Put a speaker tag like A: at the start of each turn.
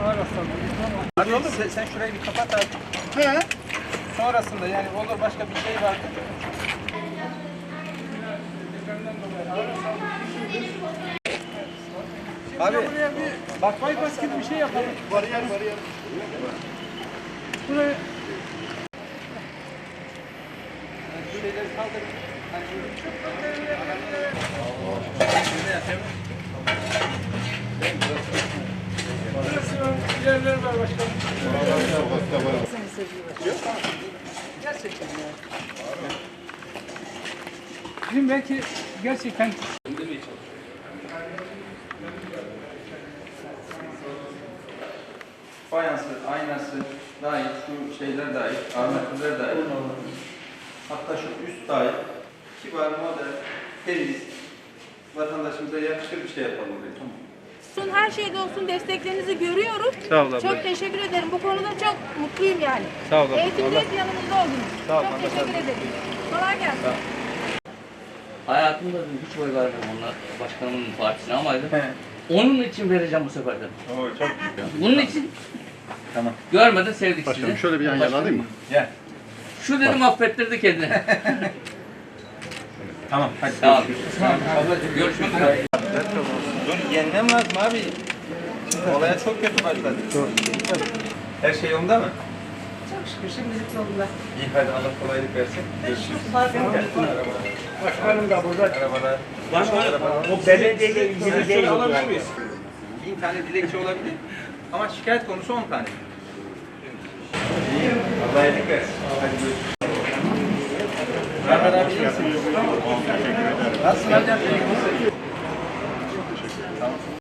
A: Ona rastladım.
B: Abi olur sen şurayı bir kapat abi.
A: He.
B: Sonrasında yani olur başka bir şey vardı. Abi
A: Buraya bir bak bypass gibi bir şey yapalım. Bariyer. Buraya
B: şu şeyleri kaldırın. Hani
A: burası yerler var başkanım. Gerçekten ya. Bizim belki gerçekten
B: fayansı, aynası dahil, şu şeyler dahil, armatürler dahil. Hatta şu üst dahil. Kibar, modern, temiz. Vatandaşımıza yakışır bir şey yapalım buraya. Tamam.
C: Her şeyde olsun desteklerinizi görüyoruz.
B: Sağ ol abla.
C: Çok teşekkür ederim. Bu konuda çok mutluyum yani.
B: Sağ ol abla.
C: Eğitimde hep yanımızda oldunuz.
B: Sağ ol
C: Çok
B: abla,
C: teşekkür
B: sağ ol.
C: ederim. Kolay gelsin.
D: Hayatımda hiç oy vermem onlar başkanımın partisine ama dedim,
B: He.
D: onun için vereceğim bu sefer dedim.
B: Oo, çok
D: Bunun için
B: Tamam.
D: görmeden sevdik
E: Başkanım
D: sizi.
E: şöyle bir yan yana alayım mı?
B: Gel.
D: Şu dedim affettirdi kendini.
B: Tamam. Hadi.
D: Tamam. Ablacığım görüşmek üzere.
B: Dur yenmem lazım abi. Olaya çok kötü başladı. Her şey yolunda mı?
C: Çok şükür şimdilik yolunda.
B: İyi hadi Allah kolaylık versin. Görüşürüz.
A: başkanım da burada.
B: Arabalar.
A: O belediyeyle ilgili değil.
B: Alabilir miyiz? 1000 tane dilekçe olabilir. Ama şikayet konusu 10 tane. İyi. Allah iyilik versin. Hadi görüşürüz. Rahmet abi iyi misin? Nasılsın hocam? İyi misin? Tamam.